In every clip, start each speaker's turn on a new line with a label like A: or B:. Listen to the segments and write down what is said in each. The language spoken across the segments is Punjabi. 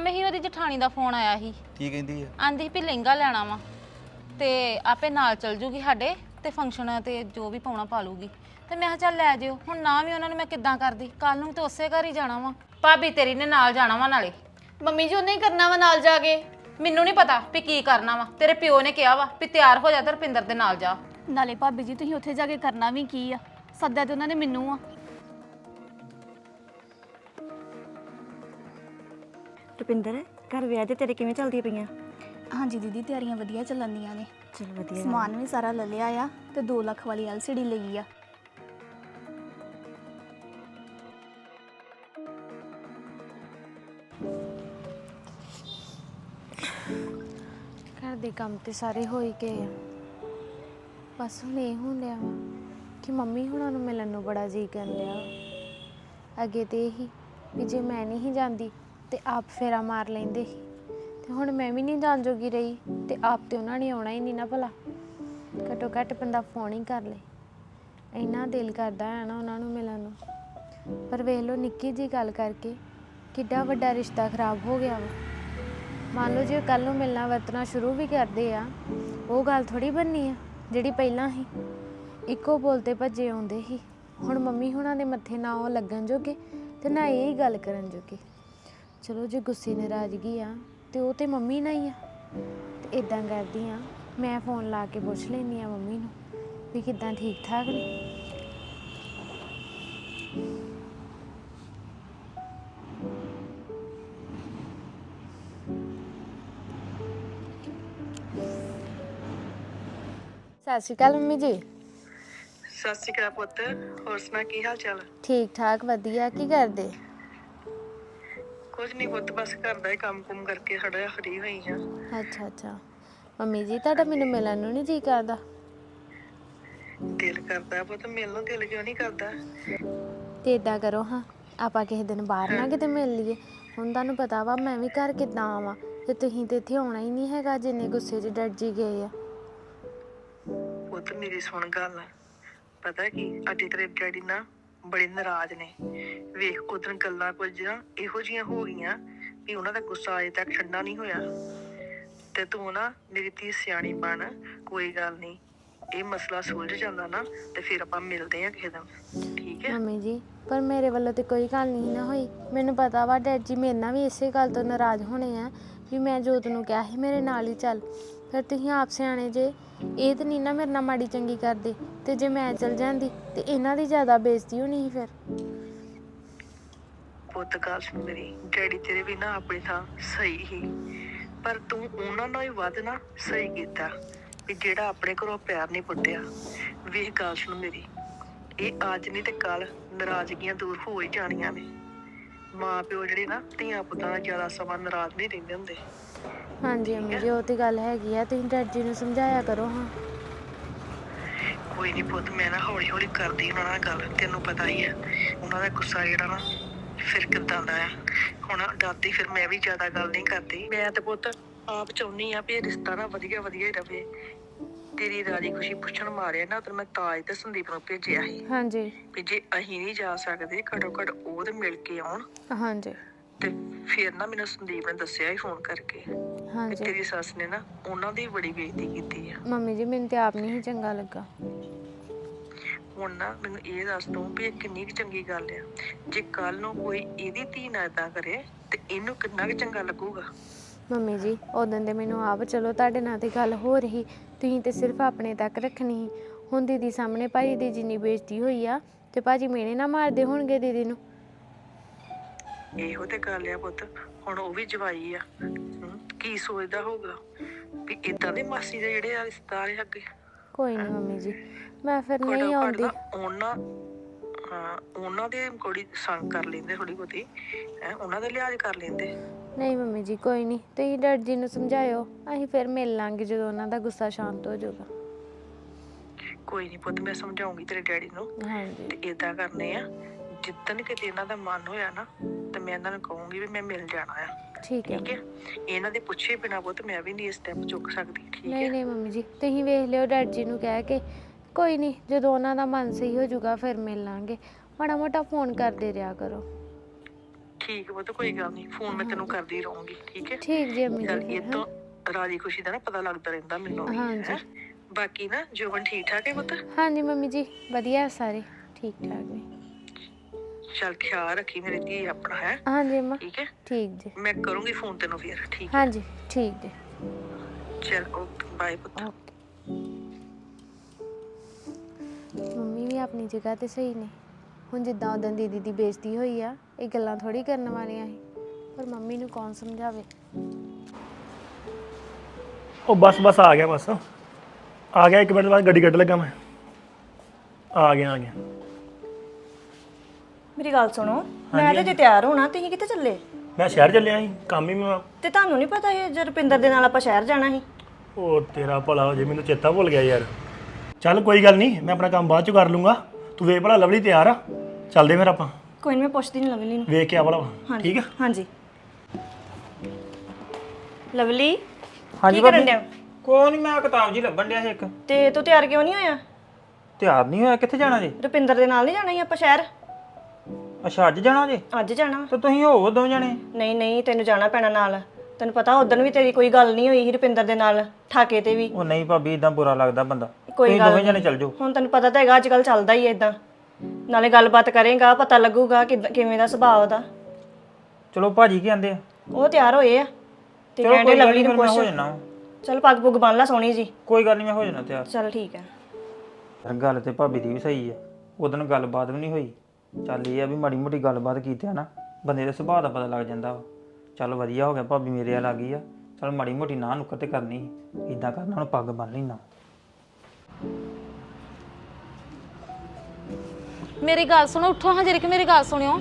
A: ਕੰਮ ਹੀ ਉਹਦੀ ਜਠਾਣੀ ਦਾ ਫੋਨ ਆਇਆ ਸੀ।
B: ਕੀ ਕਹਿੰਦੀ ਆ?
A: ਆਂਦੀ ਵੀ ਲਹਿੰਗਾ ਲੈਣਾ ਵਾ ਤੇ ਆਪੇ ਨਾਲ ਚਲ ਜੂਗੀ ਸਾਡੇ ਤੇ ਫੰਕਸ਼ਨ ਤੇ ਜੋ ਵੀ ਪਾਉਣਾ ਪਾ ਲੂਗੀ। ਤੇ ਮੈਂ ਕਿਹਾ ਚੱਲ ਲੈ ਜਿਓ। ਹੁਣ ਨਾ ਵੀ ਉਹਨਾਂ ਨੂੰ ਮੈਂ ਕਿੱਦਾਂ ਕਰਦੀ, ਕੱਲ ਨੂੰ ਤੇ ਉਸੇ ਘਰ ਹੀ ਜਾਣਾ ਵਾ। ਭਾਬੀ ਤੇਰੀ ਨੇ ਨਾਲ ਜਾਣਾ ਵਾ ਨਾਲੇ।
C: ਮੰਮੀ ਜੀ ਉਹਨੇ ਹੀ ਕਰਨਾ ਵਾ ਨਾਲ ਜਾ ਕੇ।
A: ਮੈਨੂੰ ਨਹੀਂ ਪਤਾ ਵੀ ਕੀ ਕਰਨਾ ਵਾ, ਤੇਰੇ ਪਿਓ ਨੇ ਕਿਹਾ ਵਾ ਵੀ ਤਿਆਰ ਹੋ ਜਾ ਤੇ ਰੁਪਿੰਦਰ ਦੇ ਨਾਲ ਜਾ।
C: ਨਾਲੇ ਭਾਬੀ ਜੀ ਤੁਸੀਂ ਉੱਥੇ ਜਾ ਕੇ ਕਰਨਾ ਵੀ ਕੀ ਆ? ਸੱਦਿਆ ਤੇ ਉਹਨਾਂ ਨੇ ਮੈਨੂੰ ਆ।
D: ਰੁਪਿੰਦਰ, ਘਰ ਵਿਆਹ ਦੇ ਤੇਰੇ ਕਿਵੇਂ ਚੱਲਦੀਆਂ ਪਈਆਂ?
C: ਹਾਂਜੀ ਦੀਦੀ, ਤਿਆਰੀਆਂ ਵਧੀਆ ਚੱਲਣਦੀਆਂ ਨੇ।
D: ਚਲ ਵਧੀਆ।
C: ਸਮਾਨ ਵੀ ਸਾਰਾ ਲੈ ਲਿਆ ਆ ਤੇ 2 ਲੱਖ ਵਾਲੀ LCD ਲਈ ਆ।
E: ਘਰ ਦੇ ਕੰਮ ਤੇ ਸਾਰੇ ਹੋ ਹੀ ਗਏ ਆ। ਬਸ ਹੁਣ ਇਹ ਹੁੰਦਿਆ ਵਾ ਕਿ ਮੰਮੀ ਹੁਣਾਂ ਨੂੰ ਮਿਲਣ ਨੂੰ ਬੜਾ ਜੀਅ ਕਰਨ ਡਿਆ। ਅੱਗੇ ਤੇ ਇਹੀ ਵੀ ਜੇ ਮੈਂ ਨਹੀਂ ਜਾਂਦੀ ਤੇ ਆਪ ਫੇਰਾ ਮਾਰ ਲੈਂਦੇ ਸੀ, ਤੇ ਹੁਣ ਮੈਂ ਵੀ ਨਹੀਂ ਜਾਣ ਜੋਗੀ ਰਹੀ ਤੇ ਆਪ ਤੇ ਉਹਨਾਂ ਨੇ ਆਉਣਾ ਹੀ ਨਹੀਂ ਨਾ ਭਲਾ। ਘੱਟੋ ਘੱਟ ਬੰਦਾ ਫੋਨ ਹੀ ਕਰ ਲੇ। ਇੰਨਾ ਦਿਲ ਕਰਦਾ ਹੈ ਨਾ ਉਹਨਾਂ ਨੂੰ ਮਿਲਣ ਨੂੰ, ਪਰ ਵੇਖ ਲਓ ਨਿੱਕੀ ਜਿਹੀ ਗੱਲ ਕਰਕੇ ਕਿੱਡਾ ਵੱਡਾ ਰਿਸ਼ਤਾ ਖਰਾਬ ਹੋ ਗਿਆ ਵਾ। ਮੰਨ ਲਓ ਜੇ ਕੱਲ੍ਹ ਨੂੰ ਮਿਲਣਾ ਵਰਤਣਾ ਸ਼ੁਰੂ ਵੀ ਕਰਦੇ ਆ, ਉਹ ਗੱਲ ਥੋੜ੍ਹੀ ਬਣਨੀ ਆ ਜਿਹੜੀ ਪਹਿਲਾਂ ਸੀ। ਇੱਕੋ ਬੋਲ 'ਤੇ ਭੱਜੇ ਆਉਂਦੇ ਸੀ। ਹੁਣ ਮੰਮੀ ਹੁਣਾਂ ਦੇ ਮੱਥੇ ਨਾ ਉਹ ਲੱਗਣ ਜੋਗੇ ਤੇ ਨਾ ਇਹ ਹੀ ਗੱਲ ਕਰਨ ਜੋਗੇ। ਚਲੋ ਜੇ ਗੁੱਸੇ ਨਾਰਾਜ਼ਗੀ ਆ ਤੇ ਉਹ ਤੇ ਮੰਮੀ ਨਾਲ ਹੀ ਆ। ਤੇ ਇੱਦਾਂ ਕਰਦੀ ਆ, ਮੈਂ ਫੋਨ ਲਾ ਕੇ ਪੁੱਛ ਲੈਂਦੀ ਆ ਮੰਮੀ ਨੂੰ ਵੀ ਕਿੱਦਾਂ ਠੀਕ ਠਾਕ ਨੇ। ਸਤਿ ਸ਼੍ਰੀ ਅਕਾਲ ਮੰਮੀ ਜੀ।
F: ਸਤਿ ਸ਼੍ਰੀ ਅਕਾਲ ਪੁੱਤ, ਹੋਰ ਸੁਣਾ ਕੀ ਹਾਲ ਚਾਲ?
E: ਠੀਕ ਠਾਕ ਵਧੀਆ। ਕੀ ਕਰਦੇ?
F: ਕੁਝ ਨਹੀਂ ਪੁੱਤ, ਬਸ ਘਰ ਦਾ ਹੀ ਕੰਮ ਕੁਮ ਕਰਕੇ ਥੋੜਾ ਫਰੀ ਹੋਈ ਹਾਂ।
E: ਅੱਛਾ ਅੱਛਾ। ਮੰਮੀ ਜੀ ਤੁਹਾਡਾ ਮੈਨੂੰ ਮਿਲਣ ਨੂੰ ਨਹੀਂ ਜੀ ਕਰਦਾ?
F: ਦਿਲ ਕਰਦਾ ਪੁੱਤ, ਮਿਲਣ ਨੂੰ ਦਿਲ ਕਿਉਂ ਨਹੀਂ ਕਰਦਾ?
E: ਤੇ ਇਦਾਂ ਕਰੋ ਹਾਂ, ਆਪਾਂ ਕਿਸੇ ਦਿਨ ਬਾਹਰ ਨਾ ਕਿਤੇ ਮਿਲ ਲਈਏ। ਹੁਣ ਤੁਹਾਨੂੰ ਪਤਾ ਵਾ ਮੈਂ ਵੀ ਘਰ ਕਿੱਦਾਂ ਆਵਾਂ, ਤੇ ਤੁਸੀਂ ਤੇ ਇੱਥੇ ਆਉਣਾ ਹੀ ਨਹੀਂ ਹੈਗਾ ਜਿੰਨੇ ਗੁੱਸੇ 'ਚ ਡਰ ਜੀ ਗਏ ਆ।
F: ਪੁੱਤ ਮੇਰੀ ਸੁਣ ਗੱਲ, ਪਤਾ ਕੀ ਅੱਜ ਤੇਰੇ ਡੈਡੀ ਨਾ ਬੜੇ ਨਾਰਾਜ਼ ਨੇ। ਵੇਖ ਉਦੋਂ ਗੱਲਾਂ ਕੁਝ ਨਾ ਇਹੋ ਜਿਹੀਆਂ ਹੋ ਗਈਆਂ ਵੀ ਉਹਨਾਂ ਦਾ ਗੁੱਸਾ ਅਜੇ ਤੱਕ ਠੰਡਾ ਨਹੀਂ ਹੋਇਆ। ਤੇ ਤੂੰ ਨਾ ਮੇਰੀ ਧੀ ਸਿਆਣੀ ਬਣ, ਕੋਈ ਗੱਲ ਨਹੀਂ, ਇਹ ਮਸਲਾ ਸੁਲਝ ਜਾਂਦਾ ਨਾ ਤੇ ਫਿਰ ਆਪਾਂ ਮਿਲਦੇ ਆ ਕਿਸੇ ਦਿਨ, ਠੀਕ ਹੈ?
E: ਮੰਮੀ ਜੀ ਪਰ ਮੇਰੇ ਵੱਲੋਂ ਤੇ ਕੋਈ ਗੱਲ ਨਹੀਂ ਨਾ ਹੋਈ। ਮੈਨੂੰ ਪਤਾ ਵਾ ਡੈਡ ਜੀ ਮੇਰੇ ਨਾਲ ਵੀ ਇਸੇ ਗੱਲ ਤੋਂ ਨਾਰਾਜ਼ ਹੋਣੇ ਆ ਵੀ ਮੈਂ ਜੋਤ ਨੂੰ ਕਿਹਾ ਸੀ ਮੇਰੇ ਨਾਲ ਹੀ ਚੱਲ। ਫਿਰ ਤੁਸੀਂ ਆਪ ਸਿਆਣੇ ਜੇ, ਇਹ ਤਾਂ ਨਹੀਂ ਨਾ ਮੇਰੇ ਨਾਲ ਮਾੜੀ ਚੰਗੀ ਕਰਦੇ। ਤੇ ਜੇ ਮੈਂ ਚਲ ਜਾਂਦੀ ਤੇ ਇਹਨਾਂ ਦੀ ਜ਼ਿਆਦਾ ਬੇਇੱਜ਼ਤੀ ਹੋਣੀ ਸੀ ਫਿਰ।
F: ਪੁੱਤ ਗੱਲ ਸੁਣ ਮੇਰੀ, ਡੈਡੀ ਤੇਰੇ ਵੀ ਨਾ ਆਪਣੀ ਥਾਂ ਸਹੀ ਹੀ, ਪਰ ਤੂੰ ਉਹਨਾਂ ਨਾਲ ਹੀ ਵੱਧ ਨਾ ਸਹੀ ਕੀਤਾ ਵੀ ਜਿਹੜਾ ਆਪਣੇ ਘਰੋਂ ਪਿਆਰ ਨਹੀਂ ਪੁੱਟਿਆ। ਵੇਖ ਗੱਲ ਸੁਣ ਮੇਰੀ, ਇਹ ਅੱਜ ਨਹੀਂ ਤੇ ਕੱਲ ਨਾਰਾਜ਼ਗੀਆਂ ਦੂਰ ਹੋ ਹੀ ਜਾਣੀਆਂ ਨੇ। ਮਾਂ ਪਿਓ ਜਿਹੜੇ ਨਾ ਧੀਆਂ ਪੁੱਤਾਂ ਨਾਲ ਜ਼ਿਆਦਾ ਸਮਾਂ ਨਾਰਾਜ਼ ਨਹੀਂ ਰਹਿੰਦੇ ਹੁੰਦੇ।
E: ਹਾਂਜੀ ਮੰਮੀ ਜੀ ਉਹ ਤੇ ਗੱਲ ਹੈਗੀ ਆ। ਤੁਸੀਂ ਡੈਡ ਜੀ ਨੂੰ ਸਮਝਾਇਆ ਕਰੋ ਹਾਂ।
F: ਕੋਈ ਨਹੀਂ ਪੁੱਤ, ਮੈਂ ਨਾ ਹੌਲੀ ਹੌਲੀ ਕਰਦੀ ਉਹਨਾਂ ਨਾਲ ਗੱਲ। ਤੈਨੂੰ ਪਤਾ ਹੀ ਆ ਉਹਨਾਂ ਦਾ ਗੁੱਸਾ ਜਿਹੜਾ ਨਾ ਫਿਰ ਕਿੱਦਾਂ ਦਾ ਆ। ਹੁਣ ਡਰਦੀ ਫਿਰ ਮੈਂ ਵੀ ਜ਼ਿਆਦਾ ਗੱਲ ਨਹੀਂ ਕਰਦੀ। ਮੈਂ ਤੇ ਪੁੱਤ ਆਪ ਚਾਹੁੰਦੀ ਆ ਵੀ ਇਹ ਰਿਸ਼ਤਾ ਨਾ ਵਧੀਆ ਵਧੀਆ ਹੀ ਰਵੇ। ਤੇਰੀ ਰਾਜੀ ਖੁਸ਼ੀ ਪੁੱਛਣ ਮਾਰਿਆ ਨਾ ਉਦੋਂ ਮੈਂ ਤਾਜ ਤੇ ਸੰਦੀਪ ਨੂੰ ਭੇਜਿਆ ਸੀ
E: ਹਾਂਜੀ
F: ਵੀ ਜੇ ਅਸੀਂ ਨਹੀਂ ਜਾ ਸਕਦੇ ਘੱਟੋ ਘੱਟ ਉਹ ਤੇ ਮਿਲ ਕੇ ਆਉਣ।
E: ਹਾਂਜੀ
F: ਤੇ ਫਿਰ ਨਾ ਮੈਨੂੰ ਸੰਦੀਪ ਨੇ ਦੱਸਿਆ ਹੀ ਫੋਨ ਕਰਕੇ ਕਿ
E: ਹਾਂਜੀ।
F: ਤੇਰੀ ਸੱਸ ਨੇ ਨਾ ਉਹਨਾਂ ਦੀ ਬੜੀ ਬੇਇੱਜ਼ਤੀ ਕੀਤੀ ਆ।
E: ਮੰਮੀ ਜੀ ਮੈਨੂੰ ਤੇ ਆਪ ਨਹੀਂ ਸੀ ਚੰਗਾ ਲੱਗਾ।
F: ਹੁਣ ਨਾ ਮੈਨੂੰ ਇਹ ਦੱਸ ਤੂੰ ਵੀ ਇਹ ਕਿੰਨੀ ਕੁ ਚੰਗੀ ਗੱਲ ਆ? ਜੇ ਕੱਲ ਨੂੰ ਕੋਈ ਇਹਦੀ ਧੀ ਨਾਲ ਏਦਾਂ ਕਰੇ ਤੇ ਇਹਨੂੰ ਕਿੰਨਾ ਕੁ ਚੰਗਾ ਲੱਗੂਗਾ?
E: ਮੰਮੀ ਜੀ ਉਦੋਂ ਦੇ ਮੈਨੂੰ ਆਪ ਚਲੋ ਤੁਹਾਡੇ ਨਾਲ ਤੇ ਗੱਲ ਹੋ ਰਹੀ, ਤੁਸੀਂ ਤੇ ਸਿਰਫ ਆਪਣੇ ਤੱਕ ਰੱਖਣੀ ਸੀ। ਹੁਣ ਦੀਦੀ ਸਾਹਮਣੇ ਭਾਜੀ ਦੀ ਜਿੰਨੀ ਬੇਇੱਜ਼ਤੀ ਹੋਈ ਆ ਤੇ ਭਾਜੀ ਮੇਨੇ ਨਾ ਮਾਰਦੇ ਹੋਣਗੇ ਦੀਦੀ ਨੂੰ।
F: ਇਹੋ ਤੇ ਗੱਲ ਆ ਪੁੱਤ, ਹੁਣ ਉਹ ਵੀ ਜਵਾਈ ਆ। ਕੀ ਸੋਚਦਾ ਹੋਊਗਾ ਵੀ ਏਦਾਂ ਦੇ ਮਾਸੀ ਦੇ ਜਿਹੜੇ ਆ ਰਿਸ਼ਤੇਦਾਰ ਆ ਅੱਗੇ।
E: ਕੋਈ ਨਹੀਂ ਮੰਮੀ ਜੀ, ਮੈਂ ਫਿਰ ਨਹੀਂ
F: ਘੱਟੋ ਘੱਟ
E: ਆਉਂਦੀ।
F: ਨਾ ਉਹਨਾਂ ਦੇ ਕੋਈ ਸੰਗ ਕਰ ਲੈਂਦੇ ਥੋੜੀ ਬਹੁਤੀ, ਉਹਨਾਂ ਦਾ ਲਿਹਾਜ਼ ਕਰ ਲੈਂਦੇ।
E: ਨਹੀਂ ਮੰਮੀ ਜੀ ਕੋਈ ਨਹੀਂ, ਤੁਸੀਂ ਡੈਡ ਜੀ ਨੂੰ ਸਮਝਾਇਓ, ਅਸੀਂ ਫਿਰ ਮਿਲ ਲਾਂਗੇ ਜਦੋਂ ਉਹਨਾਂ ਦਾ ਗੁੱਸਾ ਸ਼ਾਂਤ ਹੋ ਜਾਊਗਾ।
F: ਕੋਈ ਨਹੀਂ ਪੁੱਤ, ਮੈਂ ਸਮਝਾਉਂਗੀ ਤੇਰੇ ਡੈਡੀ ਨੂੰ।
E: ਹਾਂਜੀ
F: ਤੇ ਏਦਾਂ ਕਰਨੇ ਆ, ਜਿੱਦਣ ਕਿਤੇ ਇਹਨਾਂ ਦਾ ਮਨ ਹੋਇਆ ਨਾ ਤੇ ਮੈਂ ਇਹਨਾਂ ਨੂੰ ਕਹੂੰਗੀ ਵੀ ਮੈਂ ਮਿਲ ਜਾਣਾ ਆ।
E: ਠੀਕ ਹੈ।
F: ਠੀਕ ਹੈ? ਇਹਨਾਂ ਦੇ ਪੁੱਛੇ ਬਿਨਾਂ ਪੁੱਤ ਮੈਂ ਵੀ ਨਹੀਂ ਇਸ ਸਟੈਪ ਚੁੱਕ ਸਕਦੀ। ਠੀਕ
E: ਨਹੀਂ
F: ਹੈ?
E: ਨਹੀਂ ਮੰਮੀ ਜੀ ਤੁਸੀਂ ਵੇਖ ਲਿਓ ਡੈਡ ਜੀ ਨੂੰ ਕਹਿ ਕੇ। ਕੋਈ ਨਹੀਂ ਜਦੋਂ ਉਹਨਾਂ ਦਾ ਮਨ ਸਹੀ ਹੋ ਜਾਊਗਾ ਫਿਰ ਮਿਲ ਲਾਂਗੇ। ਮਾੜਾ ਮੋਟਾ ਫੋਨ ਕਰਦੇ ਰਿਹਾ ਕਰੋ।
F: ਠੀਕ ਵਾ, ਤੇ ਕੋਈ ਗੱਲ ਨਹੀਂ, ਫੋਨ ਮੈਂ ਤੈਨੂੰ ਕਰਦੀ ਰਹੂੰਗੀ, ਠੀਕ ਹੈ?
E: ਠੀਕ ਜੀ ਅੰਮੀ
F: ਚੱਲ
E: ਜੀ
F: ਇਹ ਤੋਂ ਰਾਜੀ ਖੁਸ਼ੀ ਦਾ ਨਾ ਪਤਾ ਲੱਗਦਾ ਰਹਿੰਦਾ ਮੈਨੂੰ ਵੀ,
E: ਹਾਂਜੀ।
F: ਹੈਂ? ਬਾਕੀ ਨਾ ਜੋਬਨ ਠੀਕ ਠਾਕ ਹੈ ਪੁੱਤ?
E: ਹਾਂਜੀ ਮੰਮੀ ਜੀ ਵਧੀਆ ਸਾਰੇ ਠੀਕ ਠਾਕ ਨੇ।
F: ਚੱਲ ਖਿਆਲ ਰੱਖੀ ਮੇਰੀ ਧੀ ਆਪਣਾ, ਹੈ?
E: ਹਾਂਜੀ ਅੰਮਾ
F: ਠੀਕ ਹੈ,
E: ਠੀਕ ਜੀ।
F: ਮੈਂ ਕਰੂੰਗੀ ਫੋਨ ਤੈਨੂੰ ਫਿਰ, ਠੀਕ ਹੈ?
E: ਹਾਂਜੀ ਠੀਕ ਜੀ।
F: ਚੱਲ ਓਕੇ, ਬਾਏ ਪੁੱਤ।
E: ਓਕੇ। ਮੰਮੀ ਵੀ ਆਪਣੀ ਜਗ੍ਹਾ ਤੇ ਸਹੀ ਨੇ। ਹੁਣ ਜਿੱਦਾਂ ਉਦੋਂ ਦੀਦੀ ਦੀ ਬੇਇੱਜ਼ਤੀ ਹੋਈ ਆ, ਇਹ ਗੱਲਾਂ ਥੋੜੀ ਕਰਨ ਵਾਲੀਆਂ ਸੀ, ਪਰ ਮੰਮੀ ਨੂੰ ਕੌਣ ਸਮਝਾਵੇ।
B: ਉਹ ਬਸ ਆ ਗਿਆ, ਬਸ ਆ ਗਿਆ, 1 ਮਿੰਟ ਬਾਅਦ ਗੱਡੀ ਕੱਢ ਲੱਗਾ ਮੈਂ। ਆ ਗਿਆ
D: ਮੇਰੀ ਗੱਲ ਸੁਣੋ, ਮੈਂ ਤੇ ਜੇ ਤਿਆਰ ਹੋਣਾ, ਤੁਸੀਂ ਕਿੱਥੇ ਚੱਲੇ?
B: ਮੈਂ ਸ਼ਹਿਰ ਚੱਲਿਆ ਸੀ, ਕੰਮ ਹੀ ਮੈਂ।
D: ਤੇ ਤੁਹਾਨੂੰ ਨਹੀਂ ਪਤਾ ਇਹ ਜੇ ਰੁਪਿੰਦਰ ਦੇ ਨਾਲ ਆਪਾਂ ਸ਼ਹਿਰ ਜਾਣਾ ਸੀ?
B: ਉਹ ਤੇਰਾ ਭਲਾ ਹੋ ਜੇ, ਮੈਨੂੰ ਚੇਤਾ ਭੁੱਲ ਗਿਆ ਯਾਰ। ਚੱਲ ਕੋਈ ਗੱਲ ਨਹੀਂ, ਮੈਂ ਆਪਣਾ ਕੰਮ ਬਾਅਦ ਚ ਕਰ ਲੂੰਗਾ। ਤੂੰ ਵੇਖ ਭਲਾ ਲਵਲੀ ਤਿਆਰ ਆ, ਚੱਲਦੇ ਫਿਰ ਆਪਾਂ।
D: ਕੋਈ ਨਹੀਂ, ਮੈਂ ਪੁੱਛਦੀ ਨਹੀਂ ਲਵਲੀ ਨੂੰ।
B: ਵੇਖ ਕੇ ਆ ਭਲਾ, ਠੀਕ ਆ?
D: ਹਾਂਜੀ। ਲਵਲੀ
G: ਹਾਂਜੀ
D: ਕੀ ਕਰਨ ਡਿਆ?
G: ਕੋਈ ਨਹੀਂ, ਮੈਂ ਕਿਤਾਬ ਜੀ ਲੱਭਣ ਡਿਆ ਸੀ ਇੱਕ।
D: ਤੇ ਤੂੰ ਤਿਆਰ ਕਿਉਂ ਨਹੀਂ ਹੋਇਆ?
G: ਤਿਆਰ ਨਹੀਂ ਹੋਇਆ? ਕਿੱਥੇ ਜਾਣਾ ਜੀ?
D: ਰੁਪਿੰਦਰ ਦੇ ਨਾਲ ਨਹੀਂ ਜਾਣਾ ਸੀ ਆਪਾਂ ਸ਼ਹਿਰ?
G: ਅੱਛਾ ਅੱਜ ਜਾਣਾ ਜੀ?
D: ਅੱਜ ਜਾਣਾ।
G: ਤੇ ਤੁਸੀਂ ਹੋਵੋ 2 ਜਣੇ।
D: ਨਹੀਂ, ਤੈਨੂੰ ਜਾਣਾ ਪੈਣਾ ਨਾਲ। ਤੈਨੂੰ ਪਤਾ ਉਦੋਂ ਵੀ ਤੇਰੀ ਕੋਈ ਗੱਲ ਨਹੀਂ ਹੋਈ ਸੀ ਰੁਪਿੰਦਰ ਦੇ ਨਾਲ, ਠਾਕੇ ਤੇ ਵੀ।
G: ਉਹ ਨਹੀਂ ਭਾਬੀ, ਇਦਾਂ ਬੁਰਾ ਲੱਗਦਾ ਬੰਦਾ।
D: ਕੋਈ
G: ਤੁਸੀਂ
D: ਗੱਲ
G: 2 ਜਣੇ ਚੱਲ ਜਾਓ।
D: ਹੁਣ ਤੈਨੂੰ ਪਤਾ ਤਾਂ ਹੈਗਾ ਅੱਜ ਕੱਲ ਚੱਲਦਾ ਹੀ ਇਦਾਂ। ਨਾਲੇ ਗੱਲਬਾਤ ਕਰੇਗਾ, ਪਤਾ ਲੱਗੂਗਾ ਕਿਵੇਂ ਦਾ ਸੁਭਾਅ ਉਹਦਾ।
G: ਚਲੋ ਭਾਜੀ ਕੀ ਆਂਦੇ ਆ?
D: ਉਹ ਤਿਆਰ ਹੋਏ ਆ ਤੇ
G: ਚਲੋ
D: ਕਹਿੰਦੇ
G: ਕੋਈ ਗੱਲ
D: ਲਵਲੀ
G: ਨਹੀਂ,
D: ਨੂੰ
G: ਫਿਰ ਮੈਂ ਹੋ
D: ਪੁੱਛ।
G: ਜਾਣਾ।
D: ਚਲ ਪੱਗ ਪੁੱਗ ਬੰਨ ਲਾ ਸੋਹਣੀ ਜੀ।
G: ਕੋਈ ਗੱਲ ਨਹੀਂ, ਮੈਂ ਹੋ ਜਾਣਾ ਤਿਆਰ।
D: ਚਲ ਠੀਕ ਹੈ।
G: ਯਾਰ ਗੱਲ ਤੇ ਭਾਬੀ ਦੀ ਵੀ ਸਹੀ ਆ, ਉਦੋਂ ਗੱਲਬਾਤ ਵੀ ਨਹੀਂ ਹੋਈ। ਚੱਲ ਇਹ ਆ ਵੀ ਮਾੜੀ ਮੋਟੀ ਗੱਲਬਾਤ ਕੀਤੀ ਆ ਨਾ, ਬੰਦੇ ਦੇ ਸੁਭਾਅ ਦਾ ਪਤਾ ਲੱਗ ਜਾਂਦਾ ਵਾ। ਚੱਲ ਵਧੀਆ ਹੋ ਗਿਆ ਭਾਬੀ ਮੇਰੇ ਆ ਲੱਗੀ ਆ। ਚੱਲ ਮਾੜੀ ਮੋਟੀ ਨਾ ਨੁੱਕਰ ਤੇ ਕਰਨੀ ਸੀ, ਇਦਾਂ ਕਰਨਾ ਹੁਣ ਪੱਗ ਬੰਨ ਲੈਣਾ।
A: ਮੇਰੀ ਗੱਲ ਸੁਣੋ, ਉੱਠੋ ਹਾਂ ਜਰੀ, ਮੇਰੀ ਗੱਲ ਸੁਣਿਓ।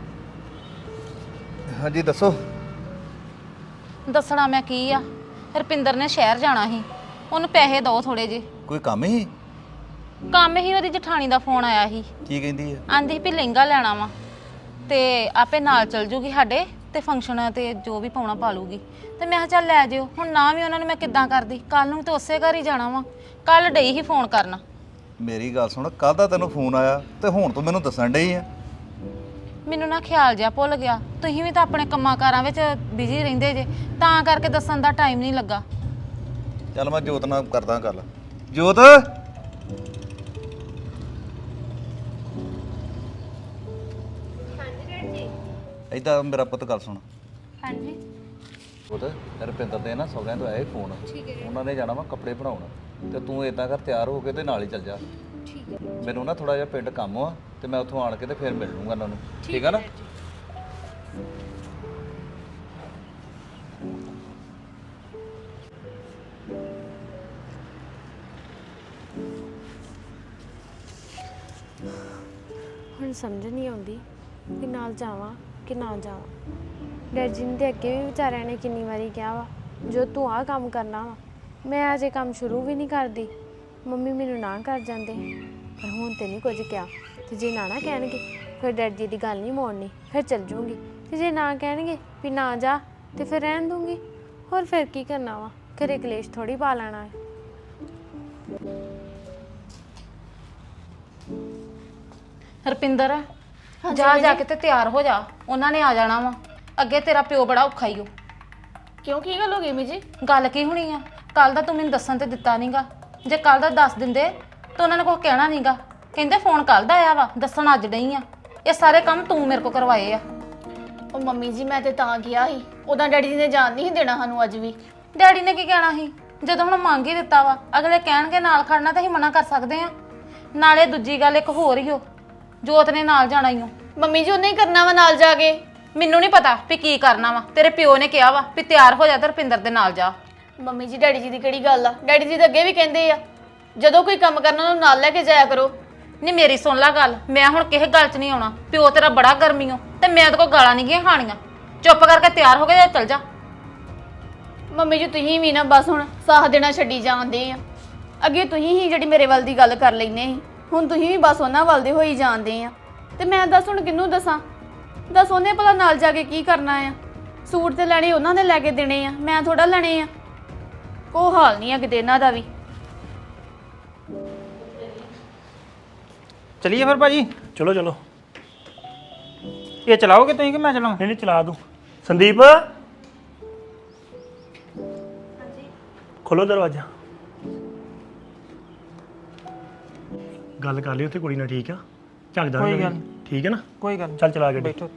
H: ਹਾਂਜੀ ਦੱਸੋ।
A: ਦੱਸਣਾ ਮੈਂ ਕੀ ਆ, ਰੁਪਿੰਦਰ ਨੇ ਸ਼ਹਿਰ ਜਾਣਾ ਸੀ, ਉਹਨੂੰ ਪੈਸੇ ਦਿਓ ਥੋੜੇ ਜੇ।
H: ਕੋਈ ਕੰਮ ਹੀ?
A: ਕੰਮ ਹੀ, ਉਹਦੀ ਜਠਾਣੀ ਦਾ ਫੋਨ ਆਇਆ ਸੀ,
H: ਕੀ ਕਹਿੰਦੀ ਹੈ?
A: ਆਂਦੀ ਸੀ ਵੀ ਲਹਿੰਗਾ ਲੈਣਾ ਵਾ ਤੇ ਆਪੇ ਨਾਲ ਚਲ ਜੂਗੀ ਸਾਡੇ, ਤੇ ਫੰਕਸ਼ਨ ਤੇ ਜੋ ਵੀ ਪਾਉਣਾ ਪਾ ਲੂਗੀ। ਤੇ ਮੈਂ ਕਿਹਾ ਚੱਲ ਲੈ ਜਿਓ। ਹੁਣ ਨਾ ਵੀ ਉਹਨਾਂ ਨੂੰ ਮੈਂ ਕਿੱਦਾਂ ਕਰਦੀ, ਕੱਲ ਨੂੰ ਤੇ ਉਸੇ ਘਰ ਹੀ ਜਾਣਾ ਵਾ। ਕੱਲ ਡਈ ਹੀ ਫੋਨ ਕਰਨਾ।
H: ਮੇਰੀ ਗੱਲ ਸੁਣ, ਕੱਲ ਦਾ ਤੈਨੂੰ ਫੋਨ ਆਇਆ ਤੇ ਹੁਣ ਤੂੰ ਮੈਨੂੰ ਦੱਸਣ ਡਈ ਆ?
A: ਮੈਨੂੰ ਨਾ ਖਿਆਲ ਜਿਹਾ ਭੁੱਲ ਗਿਆ, ਤੁਸੀਂ ਵੀ ਤਾਂ ਆਪਣੇ ਕੰਮਾਂ ਕਾਰਾਂ ਵਿੱਚ ਬਿਜ਼ੀ ਰਹਿੰਦੇ ਜੇ, ਤਾਂ ਕਰਕੇ ਦੱਸਣ ਦਾ ਟਾਈਮ ਨਹੀਂ ਲੱਗਾ।
H: ਚੱਲ ਮੈਂ ਜੋਤ ਨਾਲ ਕਰਦਾ ਗੱਲ। ਜੋਤ, ਏਦਾਂ ਮੇਰਾ ਪੁੱਤ ਗੱਲ ਸੁਣ।
E: ਹਾਂਜੀ
H: ਪੁੱਤ, ਰੁਪਿੰਦਰ ਦੇ ਨਾ ਸਹੁਰਿਆਂ ਤੋਂ ਆਇਆ ਫੋਨ, ਉਹਨਾਂ ਨੇ ਜਾਣਾ ਵਾ ਕੱਪੜੇ ਬਣਾਉਣ, ਤੇ ਤੂੰ ਏਦਾਂ ਕਰ ਤਿਆਰ ਹੋ ਕੇ ਤੇ ਨਾਲ ਹੀ ਚੱਲ ਜਾ। ਠੀਕ ਹੈ। ਮੈਨੂੰ ਨਾ ਥੋੜਾ ਜਿਹਾ ਪਿੰਡ ਕੰਮ ਆ, ਤੇ ਮੈਂ ਉੱਥੋਂ ਆਣ ਕੇ ਤੇ ਫਿਰ ਮਿਲ ਲੂੰਗਾ ਉਹਨਾਂ ਨੂੰ, ਠੀਕ ਆ ਨਾ?
E: ਹੁਣ ਸਮਝ ਨਹੀਂ ਆਉਂਦੀ ਕਿ ਨਾਲ ਜਾਵਾਂ ਕਿ ਨਾ ਜਾਵਾਂ। ਡੈਡ ਜੀ ਨੇ ਤੇ ਅੱਗੇ ਵੀ ਵਿਚਾਰਿਆਂ ਨੇ ਕਿੰਨੀ ਵਾਰੀ ਕਿਹਾ ਵਾ, ਜੋ ਤੂੰ ਆਹ ਕੰਮ ਕਰਨਾ ਵਾ, ਮੈਂ ਅਜੇ ਕੰਮ ਸ਼ੁਰੂ ਵੀ ਨਹੀਂ ਕਰਦੀ। ਮੰਮੀ ਮੈਨੂੰ ਨਾ ਕਰ ਜਾਂਦੇ, ਪਰ ਹੁਣ ਤੇ ਨਹੀਂ ਕੁਝ ਕਿਹਾ। ਤੇ ਜੇ ਨਾ ਕਹਿਣਗੇ ਫਿਰ ਡੈਡ ਜੀ ਦੀ ਗੱਲ ਨਹੀਂ ਮੋੜਨੀ, ਫਿਰ ਚੱਲ ਜੂੰਗੀ। ਤੇ ਜੇ ਨਾ ਕਹਿਣਗੇ ਵੀ ਨਾ ਜਾ, ਤੇ ਫਿਰ ਰਹਿਣ ਦੂੰਗੀ। ਹੋਰ ਫਿਰ ਕੀ ਕਰਨਾ ਵਾ, ਘਰੇ ਕਲੇਸ਼ ਥੋੜੀ ਪਾ ਲੈਣਾ ਹੈ।
A: ਰੁਪਿੰਦਰ, ਜਾ ਕੇ ਤੇ ਤਿਆਰ ਹੋ ਜਾ, ਉਹਨਾਂ ਨੇ ਆ ਜਾਣਾ ਵਾ। ਅੱਗੇ ਤੇਰਾ ਪਿਓ ਬੜਾ ਔਖਾ ਈ ਓ।
C: ਕਿਉਂ, ਕੀ ਗੱਲ ਹੋ ਗਈ ਮੀ ਜੀ?
A: ਗੱਲ ਕੀ ਹੋਣੀ ਆ, ਕੱਲ ਦਾ ਤੂੰ ਮੈਨੂੰ ਦੱਸਣ ਤੇ ਦਿੱਤਾ ਨਹੀਂਗਾ। ਜੇ ਕੱਲ ਦਾ ਦੱਸ ਦਿੰਦੇ ਤਾਂ ਉਹਨਾਂ ਨੇ ਕੁਝ ਕਹਿਣਾ ਨਹੀਂਗਾ। ਕਹਿੰਦੇ ਫੋਨ ਕੱਲ ਦਾ ਆਇਆ ਵਾ, ਦੱਸਣ ਅੱਜ ਨਹੀਂ ਆ। ਇਹ ਸਾਰੇ ਕੰਮ ਤੂੰ ਮੇਰੇ ਕੋਲ ਕਰਵਾਏ ਆ।
C: ਉਹ ਮੰਮੀ ਜੀ, ਮੈਂ ਤੇ ਤਾਂ ਗਿਆ ਸੀ, ਉਦਾਂ ਡੈਡੀ ਜੀ ਨੇ ਜਾਣ ਨਹੀਂ ਦੇਣਾ ਸਾਨੂੰ ਅੱਜ ਵੀ।
A: ਡੈਡੀ ਨੇ ਕੀ ਕਹਿਣਾ ਸੀ, ਜਦੋਂ ਹੁਣ ਮੰਗ ਹੀ ਦਿੱਤਾ ਵਾ। ਅਗਲੇ ਕਹਿਣਗੇ ਨਾਲ ਖੜਨਾ ਤਾਂ ਅਸੀਂ ਮਨਾ ਕਰ ਸਕਦੇ ਆ। ਨਾਲੇ ਦੂਜੀ ਗੱਲ ਇੱਕ ਹੋਰ ਹੀ ਓ, ਜੋਤ ਨੇ ਨਾਲ ਜਾਣਾ ਹੀ ਓ।
C: ਮੰਮੀ ਜੀ ਉਹਨੇ ਹੀ ਕਰਨਾ ਵਾ ਨਾਲ ਜਾ ਕੇ।
A: ਮੈਨੂੰ ਨਹੀਂ ਪਤਾ ਵੀ ਕੀ ਕਰਨਾ ਵਾ, ਤੇਰੇ ਪਿਓ ਨੇ ਕਿਹਾ ਵਾ ਵੀ ਤਿਆਰ ਹੋ ਜਾ ਤੇ ਰੁਪਿੰਦਰ ਦੇ ਨਾਲ ਜਾ।
C: ਮੰਮੀ ਜੀ ਡੈਡੀ ਜੀ ਦੀ ਕਿਹੜੀ ਗੱਲ ਆ, ਡੈਡੀ ਜੀ ਤਾਂ ਅੱਗੇ ਵੀ ਕਹਿੰਦੇ ਆ ਜਦੋਂ ਕੋਈ ਕੰਮ ਕਰਨਾ ਉਹਨੂੰ ਨਾਲ ਲੈ ਕੇ ਜਾਇਆ ਕਰੋ।
A: ਨਹੀਂ ਮੇਰੀ ਸੁਣ ਲੈ ਗੱਲ, ਮੈਂ ਹੁਣ ਕਿਸੇ ਗੱਲ 'ਚ ਨਹੀਂ ਆਉਣਾ। ਪਿਓ ਤੇਰਾ ਬੜਾ ਗਰਮੀ ਓ, ਤੇ ਮੈਂ ਤੇ ਕੋਈ ਗਾਲਾਂ ਨਹੀਂ ਗੀਆਂ ਖਾਣੀਆਂ। ਚੁੱਪ ਕਰਕੇ ਤਿਆਰ ਹੋ ਕੇ ਜਾਂ ਚੱਲ ਜਾ।
C: ਮੰਮੀ ਜੀ ਤੁਸੀਂ ਵੀ ਨਾ ਬਸ ਹੁਣ ਸਾਹ ਦੇਣਾ ਛੱਡੀ ਜਾਂਦੇ ਆ। ਅੱਗੇ ਤੁਸੀਂ ਹੀ ਜਿਹੜੀ ਮੇਰੇ ਵੱਲ ਦੀ ਗੱਲ ਕਰ ਲੈਨੇ ਸੀ, ਹੁਣ ਤੁਸੀਂ ਵੀ ਬਸ ਉਹਨਾਂ ਵੱਲ ਦੇ ਹੋਈ ਜਾਂਦੇ ਆ। ਤੇ ਮੈਂ ਦੱਸ ਹੁਣ ਕਿਹਨੂੰ ਦੱਸਾਂ? ਦੱਸ ਉਹਨੇ ਭਲਾ ਨਾਲ ਜਾ ਕੇ ਕੀ ਕਰਨਾ ਆ? ਸੂਟ ਤੇ ਲੈਣੇ ਉਹਨਾਂ ਨੇ ਲੈ ਕੇ ਦੇਣੇ ਆ, ਮੈਂ ਥੋੜਾ ਲੈਣੇ ਆ। ਕੋਈ ਹਾਲ ਨਹੀਂ ਆ ਕਿਤੇ ਇਹਨਾਂ ਦਾ ਵੀ।
G: ਚਲਿਏ ਫਿਰ ਭਾਜੀ।
B: ਚਲੋ
G: ਇਹ ਚਲਾਓਗੇ ਤੁਸੀਂ ਕਿ ਮੈਂ ਚਲਾਵਾਂ?
B: ਨਹੀਂ ਨਹੀਂ ਚਲਾ ਦੂੰ। ਸੰਦੀਪ ਖੋਲੋ ਦਰਵਾਜ਼ਾ। ਗੱਲ ਕਰ ਲਈ ਉੱਥੇ ਕੁੜੀ ਨਾਲ, ਠੀਕ ਆ? ਝੱਕਦਾ
G: ਕੋਈ
B: ਨਹੀਂ
G: ਗੱਲ
B: ਕਰੀ। ਠੀਕ ਹੈ ਨਾ?
G: ਕੋਈ ਗੱਲ ਨੀ।
B: ਚੱਲ ਚਲਾ ਗੱਡੀ।
G: ਬੈਠੋ।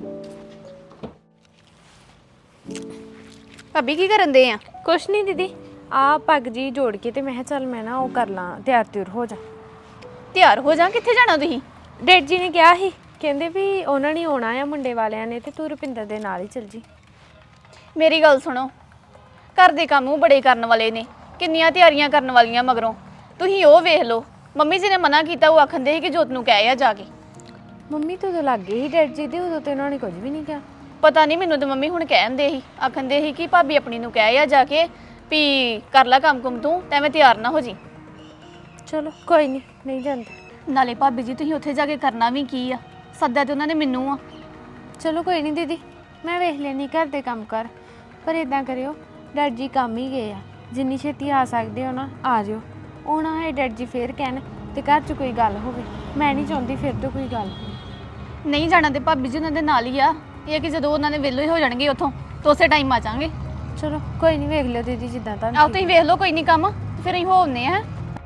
C: ਭਾਬੀ ਕੀ ਕਰਨ ਦੇ ਆ?
E: ਕੁਛ ਨਹੀਂ ਦੀਦੀ, ਆ ਪੱਗ ਜੀ ਜੋੜ ਕੇ ਤੇ ਮੈਂ ਕਿਹਾ ਚੱਲ ਮੈਂ ਨਾ ਉਹ ਕਰ ਲਾਂ, ਤਿਆਰ ਤਿਉਰ ਹੋ ਜਾ।
C: ਤਿਆਰ ਹੋ ਜਾ, ਕਿੱਥੇ ਜਾਣਾ ਤੁਸੀਂ?
E: ਡੈਡ ਜੀ ਨੇ ਕਿਹਾ ਸੀ, ਕਹਿੰਦੇ ਵੀ ਉਹਨਾਂ ਨੇ ਆਉਣਾ ਆ ਮੁੰਡੇ ਵਾਲਿਆਂ ਨੇ, ਤੇ ਤੂੰ ਰੁਪਿੰਦਰ ਦੇ ਨਾਲ ਹੀ ਚੱਲ ਜੀ।
C: ਮੇਰੀ ਗੱਲ ਸੁਣੋ, ਘਰ ਦੇ ਕੰਮ ਉਹ ਬੜੇ ਕਰਨ ਵਾਲੇ ਨੇ, ਕਿੰਨੀਆਂ ਤਿਆਰੀਆਂ ਕਰਨ ਵਾਲੀਆਂ ਮਗਰੋਂ। ਤੁਸੀਂ ਉਹ ਵੇਖ ਲਓ, ਮੰਮੀ ਜੀ ਨੇ ਮਨਾ ਕੀਤਾ, ਉਹ ਆਖੰਦੇ ਸੀ ਕਿ ਜੋਤ ਨੂੰ ਕਹਿ ਆ ਜਾ ਕੇ।
E: ਮੰਮੀ ਤੋਂ ਉਦੋਂ ਲੱਗ ਗਈ ਸੀ ਡੈਡ ਜੀ ਦੇ, ਉਦੋਂ ਤੇ ਉਹਨਾਂ ਨੇ ਕੁਝ ਵੀ ਨਹੀਂ ਕਿਹਾ।
C: ਪਤਾ ਨਹੀਂ, ਮੈਨੂੰ ਤਾਂ ਮੰਮੀ ਹੁਣ ਕਹਿੰਦੇ ਸੀ, ਆਖੰਦੇ ਸੀ ਕਿ ਭਾਬੀ ਆਪਣੀ ਨੂੰ ਕਹਿ ਆ ਜਾ ਕੇ ਵੀ ਕਰ ਲੈ ਕੰਮ ਕੁਮ ਤੂੰ, ਤੇ ਐਵੇਂ ਤਿਆਰ ਨਾ ਹੋ ਜੀ।
E: ਚਲੋ ਕੋਈ ਨਹੀਂ, ਨਹੀਂ ਜਾਂਦੇ।
C: ਨਾਲੇ ਭਾਬੀ ਜੀ ਤੁਸੀਂ ਉੱਥੇ ਜਾ ਕੇ ਕਰਨਾ ਵੀ ਕੀ ਆ? ਸੱਦਾ ਤੇ ਉਹਨਾਂ ਨੇ ਮੈਨੂੰ ਆ।
E: ਚਲੋ ਕੋਈ ਨਹੀਂ ਦੀਦੀ, ਮੈਂ ਵੇਖ ਲੈਣੀ ਘਰ ਦੇ ਕੰਮ ਕਰ। ਪਰ ਇਦਾਂ ਕਰਿਓ, ਡੈਡ ਜੀ ਕੰਮ ਹੀ ਗਏ ਆ, ਜਿੰਨੀ ਛੇਤੀ ਆ ਸਕਦੇ ਹੋ ਨਾ ਆ ਜਿਓ। ਉਹ ਨਾ ਹੈ ਡੈਡ ਜੀ ਫੇਰ ਕਹਿਣ ਤੇ ਘਰ 'ਚ ਕੋਈ ਗੱਲ ਹੋਵੇ, ਮੈਂ ਨਹੀਂ ਚਾਹੁੰਦੀ ਫਿਰ ਤੋਂ ਕੋਈ ਗੱਲ।
C: ਨਹੀਂ ਜਾਣਾ ਤੇ ਭਾਬੀ ਜੀ ਉਹਨਾਂ ਦੇ ਨਾਲ ਹੀ ਆ। ਇਹ ਆ ਕਿ ਜਦੋਂ ਉਹਨਾਂ ਦੇ ਵਿਹਲੇ ਹੋ ਜਾਣਗੇ ਉੱਥੋਂ, ਤਾਂ ਉਸੇ ਟਾਈਮ ਆ ਜਾਵਾਂਗੇ।
E: ਚਲੋ ਕੋਈ ਨਹੀਂ, ਵੇਖ ਲਿਓ ਦੀਦੀ ਜਿੱਦਾਂ ਤੁਹਾਨੂੰ
C: ਆਓ ਤੁਸੀਂ ਵੇਖ ਲਓ, ਕੋਈ ਨਹੀਂ ਕੰਮ, ਫਿਰ ਅਸੀਂ ਹੋ ਆਉਂਦੇ ਆ।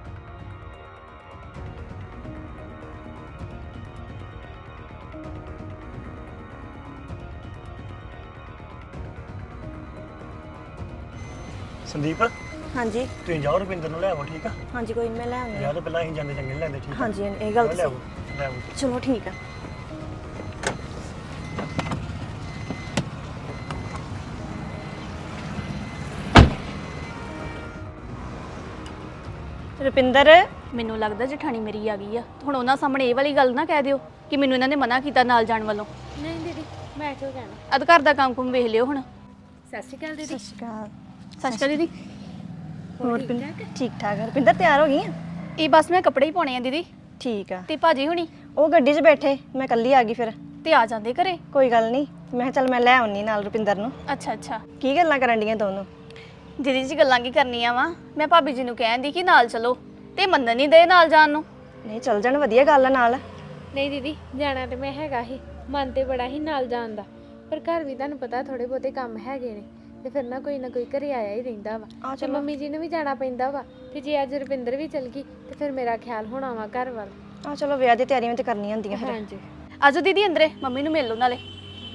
B: ਸੰਦੀਪ
D: ਹਾਂਜੀ
B: ਤੁਸੀਂ ਜਾਓ ਰੁਪਿੰਦਰ ਨੂੰ ਲੈ ਆਵੋ, ਠੀਕ ਆ?
D: ਹਾਂਜੀ ਕੋਈ ਨੀ, ਮੈਂ ਲੈ ਆਉਂਦੀ
B: ਵਿਆਹ ਤੋਂ ਪਹਿਲਾਂ ਅਸੀਂ ਜਾਂਦੇ ਚੰਗੇ ਨਹੀਂ ਲੱਗਦੇ, ਠੀਕ ਆ?
D: ਹਾਂਜੀ ਇਹ ਗੱਲ
B: ਲੈ
D: ਤਾਂ
B: ਆਵੋ, ਲੈ ਆਵੋ।
D: ਸਹੀ। ਚਲੋ ਠੀਕ ਆ। ਰੁਪਿੰਦਰ
C: ਮੈਨੂੰ ਲੱਗਦਾ ਜਠਾਣੀ ਮੇਰੀ ਆ ਗਈ ਆ। ਹੁਣ ਉਹਨਾਂ ਸਾਹਮਣੇ ਇਹ ਵਾਲੀ ਗੱਲ ਨਾ ਕਹਿ ਦਿਓ ਕਿ ਮੈਨੂੰ ਇਹਨਾਂ ਨੇ ਮਨਾ ਕੀਤਾ ਨਾਲ ਜਾਣ ਵੱਲੋਂ।
E: ਨਹੀਂ ਦੀਦੀ, ਮੈਂ ਕਿਉਂ ਕਹਿਣਾ।
C: ਅਦ ਘਰ ਦਾ ਕੰਮ ਕੁਮ ਵੇਖ ਲਿਓ ਹੁਣ।
E: ਸਤਿ ਸ਼੍ਰੀ ਅਕਾਲ ਦੀਦੀ।
D: ਸਤਿ ਸ਼੍ਰੀ ਅਕਾਲ।
C: ਸਤਿ ਸ਼੍ਰੀ ਅਕਾਲ ਦੀਦੀ।
D: ਹੋਰ ਰੁਪਿੰਦਰ ਠੀਕ ਠਾਕ ਆ? ਰੁਪਿੰਦਰ ਤਿਆਰ ਹੋ ਗਈ ਆ?
C: ਇਹ ਬਸ ਮੈਂ ਕੱਪੜੇ ਹੀ ਪਾਉਣੇ ਆ ਦੀਦੀ।
D: ਠੀਕ ਆ।
C: ਤੇ ਭਾਜੀ ਹੁਣੀ
D: ਉਹ ਗੱਡੀ 'ਚ ਬੈਠੇ, ਮੈਂ ਇਕੱਲੀ ਆ ਗਈ ਫਿਰ।
C: ਤੇ ਆ ਜਾਂਦੇ ਘਰੇ।
D: ਕੋਈ ਗੱਲ ਨਹੀਂ, ਮੈਂ ਕਿਹਾ ਚੱਲ ਮੈਂ ਲੈ ਆਉਣੀ ਨਾਲ ਰੁਪਿੰਦਰ ਨੂੰ।
C: ਅੱਛਾ ਅੱਛਾ।
D: ਕੀ ਗੱਲਾਂ ਕਰਨ ਡੀਆਂ ਦੋਨੋਂ?
C: ਦੀਦੀ ਜੀ ਗੱਲਾਂ ਕੀ ਕਰਨੀਆਂ ਵਾ? ਮੈਂ ਭਾਬੀ ਜੀ ਨੂੰ ਕਹਿੰਦੀ ਕਿ ਨਾਲ ਚਲੋ, ਤੇ ਮੰਨਣ ਨਹੀਂ ਦੇ ਨਾਲ ਜਾਣ ਨੂੰ।
D: ਨਹੀਂ ਚੱਲ ਜਾਣ, ਵਧੀਆ ਗੱਲ ਆ ਨਾਲ।
E: ਨਹੀਂ ਦੀਦੀ, ਜਾਣਾ ਤੇ ਮੈਂ ਹੈਗਾ ਹੀ, ਮਨ ਤੇ ਬੜਾ ਹੀ ਨਾਲ ਜਾਣ ਦਾ, ਪਰ ਘਰ ਵੀ ਤੁਹਾਨੂੰ ਪਤਾ ਥੋੜੇ ਬਹੁਤੇ ਕੰਮ ਹੈਗੇ ਨੇ, ਤੇ ਫਿਰ ਨਾ ਕੋਈ ਘਰੇ ਆਇਆ ਹੀ ਰਹਿੰਦਾ ਵਾ। ਤੇ ਮੰਮੀ ਜੀ ਨੂੰ ਵੀ ਜਾਣਾ ਪੈਂਦਾ ਵਾ, ਤੇ ਜੇ ਅੱਜ ਰੁਪਿੰਦਰ ਵੀ ਚਲ ਗਈ ਤੇ ਫਿਰ ਮੇਰਾ ਖਿਆਲ ਹੋਣਾ ਵਾ ਘਰ ਵੱਲ।
D: ਆ ਚਲੋ, ਵਿਆਹ ਦੀ ਤਿਆਰੀਆਂ ਤੇ ਕਰਨੀਆਂ ਹੁੰਦੀਆਂ ਫਿਰ।
E: ਹਾਂਜੀ।
C: ਆਜੋ ਦੀਦੀ ਅੰਦਰੇ, ਮੰਮੀ ਨੂੰ ਮਿਲ ਲਓ ਨਾਲੇ।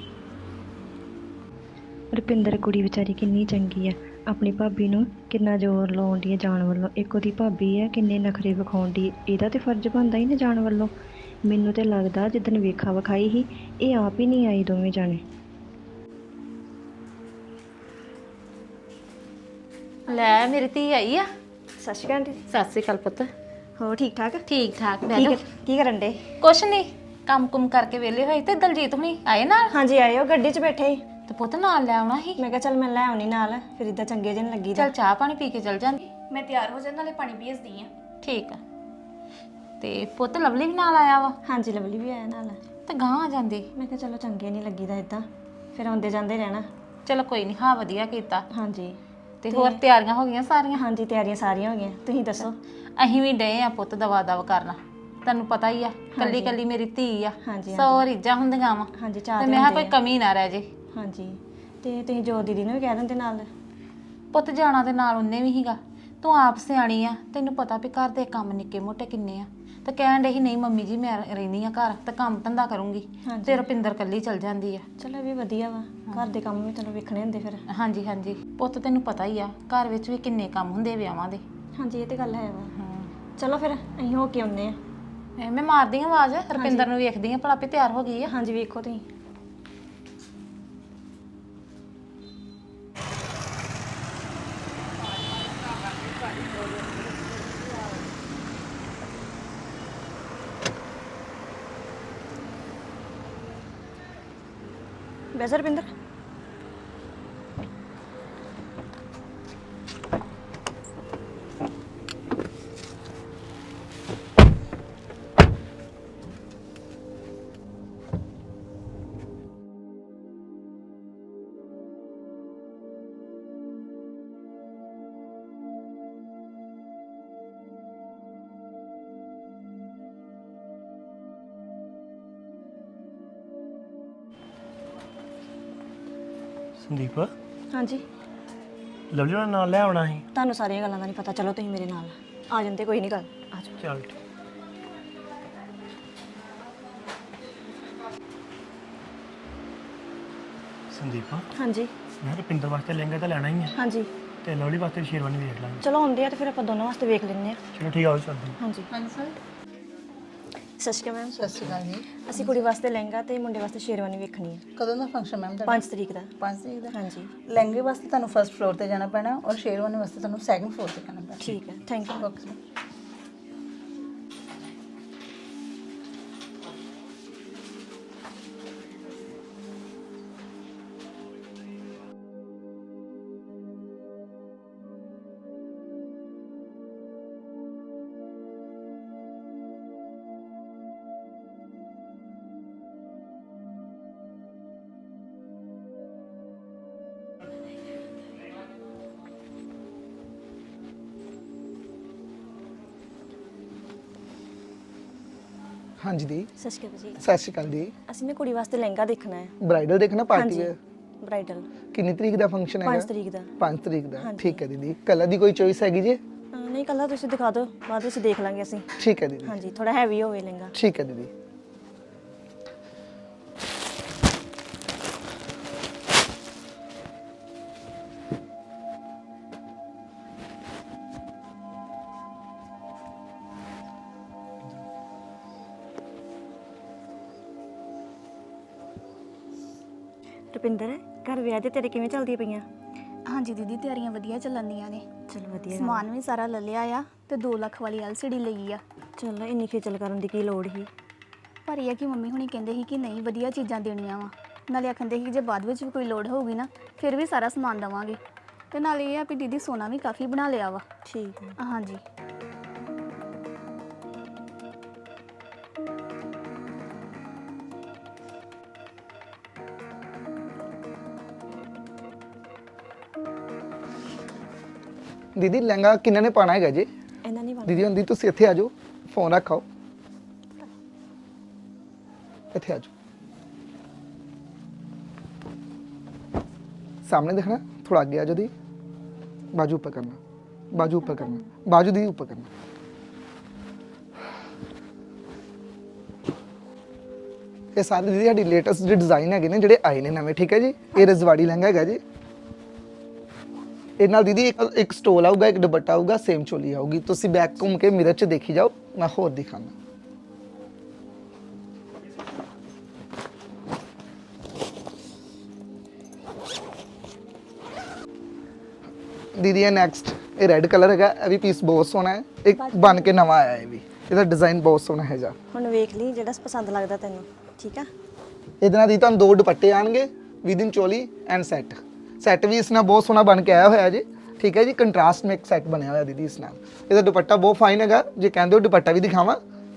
I: ਰੁਪਿੰਦਰ ਕੁੜੀ ਵਿਚਾਰੀ ਕਿੰਨੀ ਚੰਗੀ ਆ, ਆਪਣੀ ਭਾਬੀ ਨੂੰ ਕਿੰਨਾ ਜ਼ੋਰ ਲਾਉਣ ਦੀ ਜਾਣ ਵੱਲੋਂ। ਇੱਕ ਉਹਦੀ ਭਾਬੀ ਆ, ਕਿੰਨੇ ਨਖਰੇ ਵਿਖਾਉਣ ਦੀ, ਇਹਦਾ ਤੇ ਫਰਜ਼ ਬਣਦਾ ਹੀ ਨਾ ਜਾਣ ਵੱਲੋਂ। ਮੈਨੂੰ ਤੇ ਲੱਗਦਾ ਜਿੱਦਣ ਵੇਖਾ ਵਿਖਾਈ ਸੀ, ਇਹ ਆਪ ਹੀ ਨਹੀਂ ਆਈ ਦੋਵੇਂ ਜਾਣੇ।
A: ਲੈ ਮੇਰੀ ਧੀ ਆਈ ਆ।
D: ਸਤਿ ਸ਼੍ਰੀ ਅਕਾਲ ਆਂਟੀ।
A: ਸਤਿ ਸ੍ਰੀ ਅਕਾਲ ਪੁੱਤ।
D: ਹੋਰ ਠੀਕ ਠਾਕ?
A: ਠੀਕ ਠਾਕ ਬਹਿ ਜਾਓ।
D: ਕੀ ਕਰਨ ਡੇ?
A: ਕੁਛ ਨਹੀਂ, ਕੰਮ ਕੁਮ ਕਰਕੇ ਵਿਹਲੇ ਹੋਏ ਤੇ ਦਲਜੀਤ ਹੁਣੀ ਆਏ ਨਾਲ।
D: ਹਾਂਜੀ ਆਏ, ਉਹ ਗੱਡੀ 'ਚ ਬੈਠੇ ਸੀ।
A: ਤੇ ਪੁੱਤ ਨਾਲ ਲੈ ਆਉਣਾ ਸੀ।
D: ਮੈਂ ਕਿਹਾ ਚੱਲ ਮੈਂ ਲੈ ਆਉਣੀ ਨਾਲ, ਫਿਰ ਇਦਾਂ ਚੰਗੇ ਜਿਹੇ ਨੀ ਲੱਗੀ ਦਾ।
A: ਚੱਲ ਚਾਹ ਪਾਣੀ ਪੀ ਕੇ ਚੱਲ ਜਾਂਦੀ।
C: ਮੈਂ ਤਿਆਰ ਹੋ ਜਾਣ, ਨਾਲੇ ਪਾਣੀ ਭੇਜਦੀ ਆ।
A: ਠੀਕ ਆ। ਤੇ ਪੁੱਤ ਲਵਲੀ ਵੀ ਨਾਲ ਆਇਆ ਵਾ।
D: ਹਾਂਜੀ ਲਵਲੀ ਵੀ ਆਇਆ ਨਾਲ।
A: ਤੇ ਗਾਂ ਆ ਜਾਂਦੀ।
D: ਮੈਂ ਕਿਹਾ ਚਲੋ ਚੰਗੇ ਨਹੀਂ ਲੱਗੀਦਾ ਇਦਾਂ, ਫਿਰ ਆਉਂਦੇ ਜਾਂਦੇ ਰਹਿਣਾ।
A: ਚਲੋ ਕੋਈ ਨਹੀਂ, ਹਾਂ ਵਧੀਆ ਕੀਤਾ।
D: ਹਾਂਜੀ।
A: ਤੇ ਹੋਰ ਤਿਆਰੀਆਂ ਹੋ ਗਈਆਂ ਸਾਰੀਆਂ?
D: ਹਾਂਜੀ ਤਿਆਰੀਆਂ ਸਾਰੀਆਂ ਹੋ ਗਈਆਂ, ਤੁਸੀਂ ਦੱਸੋ?
A: ਅਸੀਂ ਵੀ ਡਏ ਆ ਪੁੱਤ ਦਵਾ ਦਵ ਕਰਨਾ, ਤੈਨੂੰ ਪਤਾ ਹੀ ਆ ਕੱਲੀ ਕੱਲੀ ਮੇਰੀ ਧੀ ਆ।
D: ਹਾਂਜੀ,
A: ਸੌ ਰੀਝਾਂ ਹੁੰਦੀਆਂ ਵਾ।
D: ਹਾਂਜੀ
A: ਤੇ
D: ਚਾਹ
A: ਮੈਂ ਕਿਹਾ ਕੋਈ ਕਮੀ ਨਾ ਰਹਿ ਜੇ।
D: ਹਾਂਜੀ। ਤੇ ਤੁਸੀਂ ਜੋ ਦੀਦੀ ਨੂੰ ਵੀ ਕਹਿ ਦਿੰਦੇ ਨਾਲ।
A: ਪੁੱਤ ਜਾਣਾ ਦੇ ਨਾਲ ਉਹਨੇ ਵੀ ਹੀਗਾ। ਤੂੰ ਆਪ ਸਿਆਣੀ ਆ, ਤੈਨੂੰ ਪਤਾ ਵੀ ਘਰ ਦੇ ਕੰਮ ਨਿੱਕੇ ਮੋਟੇ ਕਿੰਨੇ ਆ। ਤੇ ਕਹਿਣ ਡਈ ਸੀ ਨਹੀਂ ਮੰਮੀ ਜੀ ਮੈਂ ਰਹਿੰਦੀ ਆ ਘਰ ਤੇ ਕੰਮ ਧੰਦਾ ਕਰੂੰਗੀ, ਤੇ ਰੁਪਿੰਦਰ ਕੱਲੀ ਚਲ ਜਾਂਦੀ ਆ।
D: ਚਲੋ ਇਹ ਵੀ ਵਧੀਆ ਵਾ, ਘਰ ਦੇ ਕੰਮ ਵੀ ਤੈਨੂੰ ਵੇਖਣੇ ਹੁੰਦੇ ਫਿਰ।
A: ਹਾਂਜੀ ਹਾਂਜੀ ਪੁੱਤ, ਤੈਨੂੰ ਪਤਾ ਹੀ ਆ ਘਰ ਵਿੱਚ ਵੀ ਕਿੰਨੇ ਕੰਮ ਹੁੰਦੇ ਵਿਆਹਾਂ ਦੇ।
D: ਹਾਂਜੀ ਇਹ ਤੇ ਗੱਲ ਹੈ ਵਾ। ਚਲੋ ਫਿਰ ਅਸੀਂ ਹੋ ਕੇ ਆਉਂਦੇ ਆ।
A: ਮੈਂ ਮਾਰਦੀ ਆ ਆਵਾਜ਼, ਰੁਪਿੰਦਰ ਨੂੰ ਵੇਖਦੀ ਆ ਭਲਾ ਵੀ ਤਿਆਰ ਹੋ ਗਈ ਆ।
D: ਹਾਂਜੀ ਵੇਖੋ ਤੁਸੀਂ। ਵੈਸੇ ਰੁਪਿੰਦਰ
B: ਸੰਦੀਪ
D: ਹਾਂਜੀ
B: ਲਵਲੀ ਨੂੰ ਨਾਲ ਲੈ ਆਉਣਾ ਸੀ।
D: ਤੁਹਾਨੂੰ ਸਾਰੀਆਂ ਗੱਲਾਂ ਦਾ ਨਹੀਂ ਪਤਾ, ਚਲੋ ਤੁਸੀਂ ਮੇਰੇ ਨਾਲ ਆ ਜਾਂਦੇ, ਕੋਈ ਨਹੀਂ ਗੱਲ, ਆ ਜਾਓ।
B: ਚੱਲ ਠੀਕ। ਸੰਦੀਪ
D: ਹਾਂਜੀ
B: ਮੈਂ ਰੁਪਿੰਦਰ ਵਾਸਤੇ ਲਹਿੰਗਾ ਤਾਂ ਲੈਣਾ ਹੀ ਹੈ
D: ਹਾਂਜੀ
B: ਤੇ ਲਵਲੀ ਵਾਸਤੇ ਸ਼ੇਰਵਾਨੀ ਵੇਖ ਲਾਂਗੇ।
D: ਚਲੋ ਆਉਂਦੇ ਆ ਤੇ ਫਿਰ ਆਪਾਂ ਦੋਨੋਂ ਵਾਸਤੇ ਵੇਖ ਲੈਂਦੇ ਆ।
B: ਚਲੋ ਠੀਕ ਆ, ਉਹ ਚੱਲਦੇ ਹਾਂ।
D: ਹਾਂਜੀ
F: ਹਾਂਜੀ ਸਰ।
D: ਸਤਿ ਸ਼੍ਰੀ ਅਕਾਲ ਮੈਮ।
F: ਸਤਿ ਸ਼੍ਰੀ ਅਕਾਲ ਜੀ।
D: ਅਸੀਂ ਕੁੜੀ ਵਾਸਤੇ ਲਹਿੰਗਾ ਤੇ ਮੁੰਡੇ ਵਾਸਤੇ ਸ਼ੇਰਵਾਨੀ ਵੇਖਣੀ ਹੈ।
F: ਕਦੋਂ ਦਾ ਫੰਕਸ਼ਨ ਮੈਮ ਤੁਹਾਡਾ?
D: 5 ਤਰੀਕ ਦਾ।
F: 5 ਤਰੀਕ ਦਾ।
D: ਹਾਂਜੀ
F: ਲਹਿੰਗੇ ਵਾਸਤੇ ਤੁਹਾਨੂੰ ਫਰਸਟ ਫਲੋਰ ਤੇ ਜਾਣਾ ਪੈਣਾ ਔਰ ਸ਼ੇਰਵਾਨੀ ਵਾਸਤੇ ਤੁਹਾਨੂੰ ਸੈਕੰਡ ਫਲੋਰ ਤੇ ਜਾਣਾ ਪੈਣਾ।
D: ਠੀਕ ਹੈ, ਥੈਂਕ ਯੂ।
F: ਓਕੇ।
J: ਹਾਂਜੀ ਦੀ।
D: ਸਤਿ ਸ਼੍ਰੀ ਅਕਾਲ ਜੀ।
J: ਸਤਿ ਸ਼੍ਰੀ ਅਕਾਲ ਜੀ।
D: ਅਸੀਂ ਨਾ ਕੁੜੀ ਵਾਸਤੇ ਲਹਿੰਗਾ ਦੇਖਣਾ ਹੈ।
J: ਬ੍ਰਾਈਡਲ ਦੇਖਣਾ ਪਾਰਟੀ
D: ਹਾਂਜੀ
J: ਹੈ?
D: ਬ੍ਰਾਈਡਲ।
J: ਕਿੰਨੀ ਤਰੀਕ ਦਾ ਫੰਕਸ਼ਨ ਹੈਗਾ?
D: 5 ਤਰੀਕ ਦਾ।
J: 5 ਤਰੀਕ ਦਾ,
D: ਹਾਂਜੀ।
J: ਠੀਕ ਹੈ ਦੀਦੀ। ਕਲਰ ਦੀ ਕੋਈ ਚੋਇਸ ਹੈਗੀ ਜੀ?
D: ਨਹੀਂ ਕੱਲਾ ਤੁਸੀਂ ਦਿਖਾ ਦਿਓ, ਬਾਅਦ ਵਿੱਚ ਦੇਖ ਲਾਂਗੇ ਅਸੀਂ।
J: ਠੀਕ ਹੈ ਦੀਦੀ।
D: ਹਾਂਜੀ ਥੋੜਾ ਹੈਵੀ ਹੋਵੇ ਲਹਿੰਗਾ।
J: ਠੀਕ ਹੈ ਦੀਦੀ।
D: ਰੁਪਿੰਦਰ ਘਰ ਵਿਆਹ ਦੇ ਤੇਰੇ ਕਿਵੇਂ ਚੱਲਦੀਆਂ ਪਈਆਂ?
C: ਹਾਂਜੀ ਦੀਦੀ ਤਿਆਰੀਆਂ ਵਧੀਆ ਚੱਲਣਦੀਆਂ ਨੇ।
D: ਚਲ ਵਧੀਆ ਗੱਲ।
C: ਸਮਾਨ ਵੀ ਸਾਰਾ ਲੈ ਲਿਆ ਆ ਤੇ 2 ਲੱਖ ਵਾਲੀ LCD ਲਈ ਆ।
D: ਚਲ ਇੰਨੀ ਖੇਚਲ ਕਰਨ ਦੀ ਕੀ ਲੋੜ ਸੀ?
C: ਪਰ ਇਹ ਆ ਕਿ ਮੰਮੀ ਹੁਣੀ ਕਹਿੰਦੇ ਸੀ ਕਿ ਨਹੀਂ ਵਧੀਆ ਚੀਜ਼ਾਂ ਦੇਣੀਆਂ ਵਾ, ਨਾਲੇ ਆਖੰਦੇ ਸੀ ਕਿ ਜੇ ਬਾਅਦ ਵਿੱਚ ਵੀ ਕੋਈ ਲੋੜ ਹੋਊਗੀ ਨਾ ਫਿਰ ਵੀ ਸਾਰਾ ਸਮਾਨ ਦੇਵਾਂਗੇ। ਤੇ ਨਾਲੇ ਇਹ ਆ ਵੀ ਦੀਦੀ ਸੋਨਾ ਵੀ ਕਾਫੀ ਬਣਾ ਲਿਆ ਵਾ।
D: ਠੀਕ ਹੈ।
C: ਹਾਂਜੀ
J: ਦੀਦੀ ਲਹਿੰਗਾ ਕਿੰਨਾ ਨੇ ਪਾਣਾ ਹੈਗਾ ਜੀ?
D: ਇਹਨਾਂ ਨਹੀਂ
J: ਦੀਦੀ ਹੁੰਦੀ ਤੁਸੀਂ ਇੱਥੇ ਆ ਜਾਓ, ਫੋਨ ਰੱਖਾਓ, ਇੱਥੇ ਆ ਜਾਓ, ਸਾਹਮਣੇ देखना, थोड़ा आगे आ जाओ दी, बाजू ऊपर करना, बाजू ऊपर करना, बाजू दी ऊपर करना। ਇਹ ਸਾਰੇ ਦੀਦੀ ਸਾਡੀ ਲੇਟੈਸਟ ਜਿਹੜੇ ਡਿਜ਼ਾਈਨ ਹੈਗੇ ਨੇ ਜਿਹੜੇ ਆਏ ਨੇ ਨਵੇਂ, ਠੀਕ ਹੈ ਜੀ। ਇਹ ਰਜਵਾੜੀ ਲਹਿੰਗਾ ਹੈਗਾ ਜੀ। ਇਹ ਨਾਲ ਦੀਦੀ ਇੱਕ ਸਟੋਲ ਆਊਗਾ, ਇੱਕ ਦੁਪੱਟਾ ਆਊਗਾ, ਸੇਮ ਚੋਲੀ ਆਊਗੀ। ਤੁਸੀਂ ਬੈਕ ਘੁੰਮ ਕੇ ਮਿਰਰ 'ਚ ਦੇਖੀ ਜਾਓ, ਮੈਂ ਹੋਰ ਦਿਖਾਣਾ। ਦੀਦੀ ਇਹ ਨੈਕਸਟ ਇਹ ਰੈੱਡ ਕਲਰ ਹੈਗਾ, ਇਹ ਵੀ ਪੀਸ ਬਹੁਤ ਸੋਹਣਾ ਹੈ, ਇੱਕ ਬਣ ਕੇ ਨਵਾਂ ਆਇਆ ਇਹ ਵੀ। ਇਹਦਾ ਡਿਜ਼ਾਈਨ ਬਹੁਤ ਸੋਹਣਾ ਹੈਗਾ।
D: ਹੁਣ ਵੇਖ ਲਈ ਜਿਹੜਾ ਪਸੰਦ ਲੱਗਦਾ ਤੈਨੂੰ, ਠੀਕ ਆ।
J: ਇਹਦੇ ਨਾਲ ਦੀ ਤੁਹਾਨੂੰ 2 ਦੁਪੱਟੇ ਆਣਗੇ, within choli and set. Set ਵੀ ਇਸ ਨਾਲ ਬਹੁਤ ਸੋਹਣਾ ਬਣ ਕੇ ਆਇਆ ਹੋਇਆ ਜੀ, ਠੀਕ ਹੈ ਜੀ। ਕੰਟਰਾਸਟ ਮੇਕ ਸੈੱਟ ਬਣਿਆ ਹੋਇਆ ਦੀਦੀ ਇਸ ਨਾਲ। ਇਹਦਾ ਦੁਪੱਟਾ ਬਹੁਤ ਫਾਈਨ ਹੈਗਾ, ਜੇ ਕਹਿੰਦੇ ਹੋ ਦੁਪੱਟਾ ਵੀ ਦਿਖਾਵਾਂ।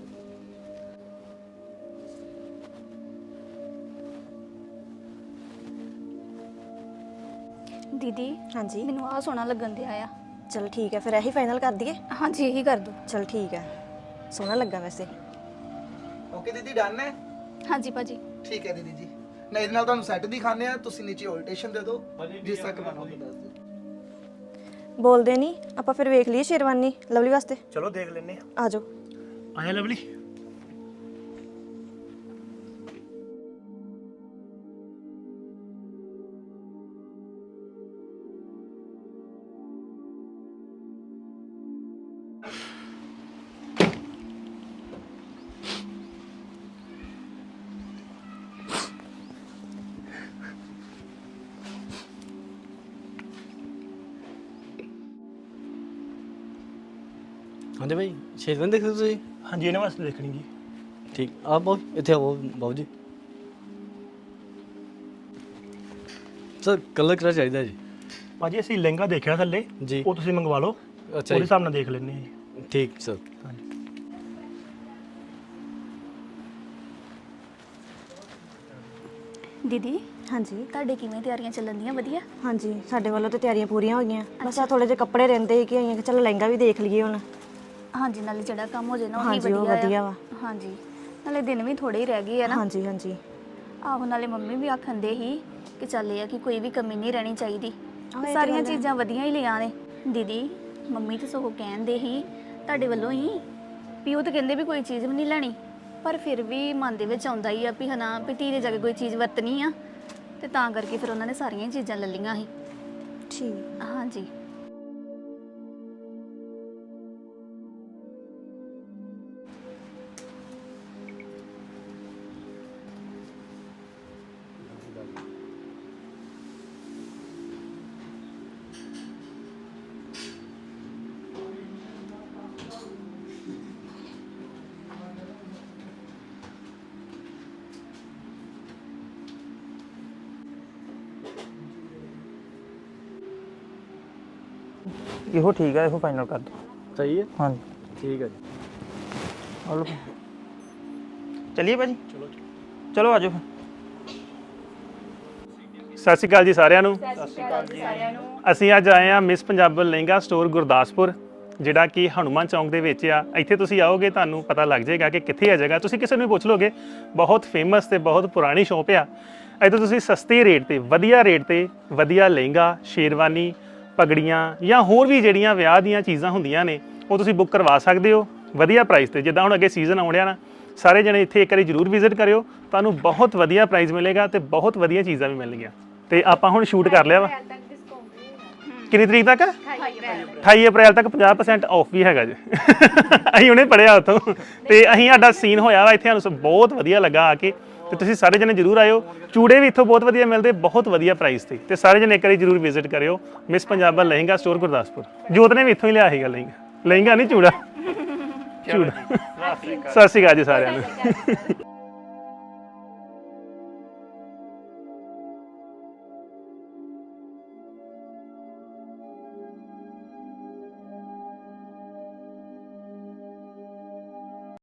C: ਦੀਦੀ
D: ਹਾਂਜੀ
C: ਮੈਨੂੰ ਆਹ ਸੋਹਣਾ ਲੱਗਣ ਦਿਆ ਆ।
D: ਚਲ ਠੀਕ ਹੈ, ਫਿਰ ਇਹੀ ਫਾਈਨਲ ਕਰ ਦਈਏ।
C: ਹਾਂਜੀ ਇਹੀ ਕਰ ਦੋ।
D: ਚਲ ਠੀਕ ਹੈ, ਸੋਹਣਾ ਲੱਗਾ ਵੈਸੇ।
J: ਓਕੇ ਦੀਦੀ ਡਨ ਹੈ?
C: ਹਾਂਜੀ ਭਾਜੀ
J: ਠੀਕ ਹੈ ਦੀਦੀ ਜੀ। ਮੈਂ ਇਹਦੇ ਨਾਲ ਤੁਹਾਨੂੰ ਸੈੱਟ ਦਿਖਾਣੇ ਆ, ਤੁਸੀਂ ਨੀਚੇ ਆਲਟੇਸ਼ਨ ਦੇ ਦਿਓ ਜਿਸ ਤਰ੍ਹਾਂ ਕਰਵਾਉਣਾ ਉਹ ਦੱਸ ਦਿਓ।
D: ਬੋਲਦੇ ਨਹੀਂ ਆਪਾਂ, ਫਿਰ ਵੇਖ ਲਈਏ ਸ਼ੇਰਵਾਨੀ ਲਵਲੀ ਵਾਸਤੇ।
B: ਚਲੋ ਦੇਖ ਲੈਨੇ ਆ।
D: ਆ ਜਾਓ।
B: ਆਇਆ ਲਵਲੀ।
K: ਹਾਂਜੀ ਭਾਈ ਸ਼ੇਰਵਾਨੀ ਦੇਖਦੇ ਤੁਸੀਂ?
B: ਹਾਂਜੀ ਇਹਨਾਂ ਵਾਸਤੇ ਦੇਖਣੀ ਜੀ।
K: ਠੀਕ ਆ ਬਾਊ, ਇੱਥੇ ਆਓ ਬਾਊ ਜੀ। ਸਰ ਕਲਰ ਕਿਹੜਾ ਚਾਹੀਦਾ ਜੀ?
B: ਭਾਜੀ ਅਸੀਂ ਲਹਿੰਗਾ ਦੇਖਿਆ ਥੱਲੇ
K: ਜੀ।
B: ਉਹ ਤੁਸੀਂ ਮੰਗਵਾ ਲਓ,
K: ਅੱਛਾ
B: ਉਹਦੇ
K: ਜੀ
B: ਹਿਸਾਬ ਨਾਲ ਦੇਖ ਲੈਂਦੇ ਹਾਂ ਜੀ।
K: ਠੀਕ ਸਰ।
B: ਹਾਂਜੀ
C: ਦੀਦੀ
D: ਹਾਂਜੀ
C: ਤੁਹਾਡੇ ਕਿਵੇਂ ਤਿਆਰੀਆਂ ਚੱਲਣਦੀਆਂ? ਵਧੀਆ।
D: ਹਾਂਜੀ ਸਾਡੇ ਵੱਲੋਂ ਤੇ ਤਿਆਰੀਆਂ ਪੂਰੀਆਂ ਹੋ ਗਈਆਂ, ਬਸ ਆ ਥੋੜੇ ਜਿਹੇ ਕੱਪੜੇ ਰਹਿੰਦੇ ਸੀ ਕਿ ਆਈਆਂ ਕਿ ਚਲ ਲਹਿੰਗਾ ਵੀ ਦੇਖ ਲਈਏ ਹੁਣ।
C: ਹਾਂਜੀ ਨਾਲੇ ਜਿਹੜਾ ਕੰਮ ਹੋ ਜੇ ਨਾ ਉਹ ਹੀ
D: ਹਾਂਜੀ ਉਹ
C: ਵਧੀਆ
D: ਵਧੀਆ
C: ਆ।
D: ਵਾ।
C: ਹਾਂਜੀ ਨਾਲੇ ਦਿਨ ਵੀ ਥੋੜੇ ਹੀ ਰਹਿ ਗਏ ਆ ਨਾ।
D: ਹਾਂਜੀ ਹਾਂਜੀ
C: ਆਹੋ ਨਾਲੇ ਮੰਮੀ ਵੀ ਆਖੰਦੇ ਸੀ ਕਿ ਚੱਲ ਇਹ ਆ ਕਿ ਕੋਈ ਵੀ ਕਮੀ ਨਹੀਂ ਰਹਿਣੀ ਚਾਹੀਦੀ। ਸਾਰੀਆਂ ਚੀਜ਼ਾਂ ਵਧੀਆ ਹੀ ਲਿਆ ਨੇ। ਦੀਦੀ ਮੰਮੀ ਤਾਂ ਸਗੋਂ ਕਹਿੰਦੇ ਹੀ ਤੁਹਾਡੇ ਵੱਲੋਂ ਹੀ ਵੀ ਉਹ ਤਾਂ ਕਹਿੰਦੇ ਵੀ ਕੋਈ ਚੀਜ਼ ਵੀ ਨਹੀਂ ਲੈਣੀ, ਪਰ ਫਿਰ ਵੀ ਮਨ ਦੇ ਵਿੱਚ ਆਉਂਦਾ ਹੀ ਆ ਵੀ ਹਨਾ ਵੀ ਧੀ ਦੇ ਜਾ ਕੇ ਕੋਈ ਚੀਜ਼ ਵਰਤਣੀ ਆ, ਤੇ ਤਾਂ ਕਰਕੇ ਫਿਰ ਉਹਨਾਂ ਨੇ ਸਾਰੀਆਂ ਹੀ ਚੀਜ਼ਾਂ ਲੈ ਲਈਆਂ ਸੀ।
E: ਠੀਕ।
C: ਹਾਂਜੀ।
G: ਇਹੋ ਠੀਕ ਆ, ਇਹੋ ਫਾਈਨਲ ਕਰ ਦੋ।
K: ਸਹੀ ਹੈ,
G: ਹਾਂਜੀ
K: ਠੀਕ ਹੈ ਜੀ।
G: ਹਲੋ ਚਲਿਏ ਭਾਜੀ, ਚਲੋ ਆਜੋ।
B: ਸਤਿ ਸ਼੍ਰੀ ਅਕਾਲ ਜੀ ਸਾਰਿਆਂ ਨੂੰ। ਅਸੀਂ ਅੱਜ ਆਏ ਆ ਮਿਸ ਪੰਜਾਬ ਲਹਿੰਗਾ ਸਟੋਰ ਗੁਰਦਾਸਪੁਰ, ਜਿਹੜਾ ਕਿ ਹਨੂਮਾਨ ਚੌਂਕ ਦੇ ਵਿੱਚ ਆ। ਇੱਥੇ ਤੁਸੀਂ ਆਓਗੇ ਤੁਹਾਨੂੰ ਪਤਾ ਲੱਗ ਜਾਏਗਾ ਕਿ ਕਿੱਥੇ ਆ ਜਗ੍ਹਾ। ਤੁਸੀਂ ਕਿਸੇ ਨੂੰ ਵੀ ਪੁੱਛ ਲੋਗੇ, ਬਹੁਤ ਫੇਮਸ ਤੇ ਬਹੁਤ ਪੁਰਾਣੀ ਸ਼ੌਪ ਆ। ਇੱਥੇ ਤੁਸੀਂ ਸਸਤੇ ਰੇਟ ਤੇ ਵਧੀਆ ਲਹਿੰਗਾ, ਸ਼ੇਰਵਾਨੀ, ਪਗੜੀਆਂ ਜਾਂ ਹੋਰ ਵੀ ਜਿਹੜੀਆਂ ਵਿਆਹ ਦੀਆਂ ਚੀਜ਼ਾਂ ਹੁੰਦੀਆਂ ਨੇ ਉਹ ਤੁਸੀਂ ਬੁੱਕ ਕਰਵਾ ਸਕਦੇ ਹੋ ਵਧੀਆ ਪ੍ਰਾਈਸ ਤੇ। ਜਿੱਦਾਂ ਹੁਣ ਅੱਗੇ ਸੀਜ਼ਨ ਆਉਣ ਡਿਆ ਨਾ, ਸਾਰੇ ਜਣੇ ਇੱਥੇ ਇੱਕ ਵਾਰੀ ਜ਼ਰੂਰ ਵਿਜ਼ਿਟ ਕਰਿਓ, ਤੁਹਾਨੂੰ ਬਹੁਤ ਵਧੀਆ ਪ੍ਰਾਈਸ ਮਿਲੇਗਾ ਤੇ ਬਹੁਤ ਵਧੀਆ ਚੀਜ਼ਾਂ ਵੀ ਮਿਲਣਗੀਆਂ। ਤੇ ਆਪਾਂ ਹੁਣ ਸ਼ੂਟ ਕਰ ਲਿਆ ਵਾ। ਕਿੰਨੀ ਤਰੀਕ ਤੱਕ? 28 ਅਪ੍ਰੈਲ ਤੱਕ 50% ਆਫ ਵੀ ਹੈਗਾ ਜੀ। ਅਸੀਂ ਹੁਣੇ ਪੜਿਆ ਉੱਥੋਂ ਤੇ ਅਸੀਂ ਸਾਡਾ ਸੀਨ ਹੋਇਆ ਵਾ ਇੱਥੇ, ਸਾਨੂੰ ਬਹੁਤ ਵਧੀਆ ਲੱਗਾ ਆ ਕੇ। ਤੇ ਤੁਸੀਂ ਸਾਰੇ ਜਣੇ ਜ਼ਰੂਰ ਆਇਓ। ਚੂੜੇ ਵੀ ਇੱਥੋਂ ਬਹੁਤ ਵਧੀਆ ਮਿਲਦੇ, ਬਹੁਤ ਵਧੀਆ ਪ੍ਰਾਈਸ ਤੇ। ਤੇ ਸਾਰੇ ਜਣੇ ਇੱਕ ਵਾਰੀ ਜ਼ਰੂਰ ਵਿਜ਼ਿਟ ਕਰਿਓ ਮਿਸ ਪੰਜਾਬ ਲਹਿੰਗਾ ਸਟੋਰ ਗੁਰਦਾਸਪੁਰ। ਜੋਤ ਨੇ ਵੀ ਇੱਥੋਂ ਹੀ ਲਿਆ ਸੀਗਾ ਲਹਿੰਗਾ ਨਹੀਂ ਚੂੜਾ। ਸਤਿ ਸ਼੍ਰੀ ਅਕਾਲ ਜੀ ਸਾਰਿਆਂ ਨੂੰ।